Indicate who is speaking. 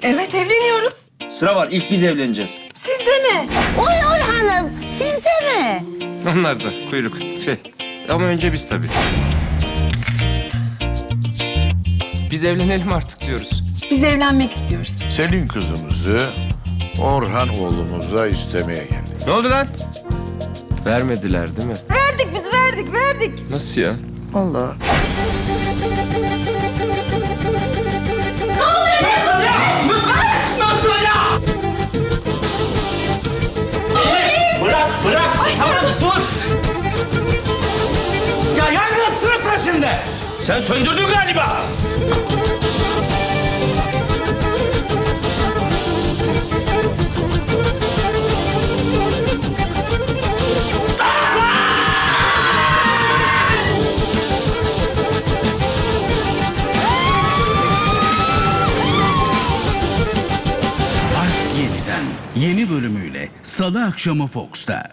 Speaker 1: Evet, evleniyoruz.
Speaker 2: Sıra var, ilk biz evleneceğiz.
Speaker 1: Siz de mi?
Speaker 3: Oy Orhan'ım, siz de mi?
Speaker 4: Onlar da kuyruk ama önce biz tabii. Biz evlenelim artık diyoruz.
Speaker 1: Biz evlenmek istiyoruz.
Speaker 5: Senin kızımızı Orhan oğlumuza istemeye geldik.
Speaker 4: Ne oldu lan? Vermediler değil mi?
Speaker 1: Verdik biz, verdik.
Speaker 4: Nasıl ya?
Speaker 1: Allah.
Speaker 6: Bırak. Tamam dur. Ya yangın sırası şimdi.
Speaker 2: Sen söndürdün galiba.
Speaker 7: Aşk Yeniden yeni bölümüyle Salı akşamı Fox'ta.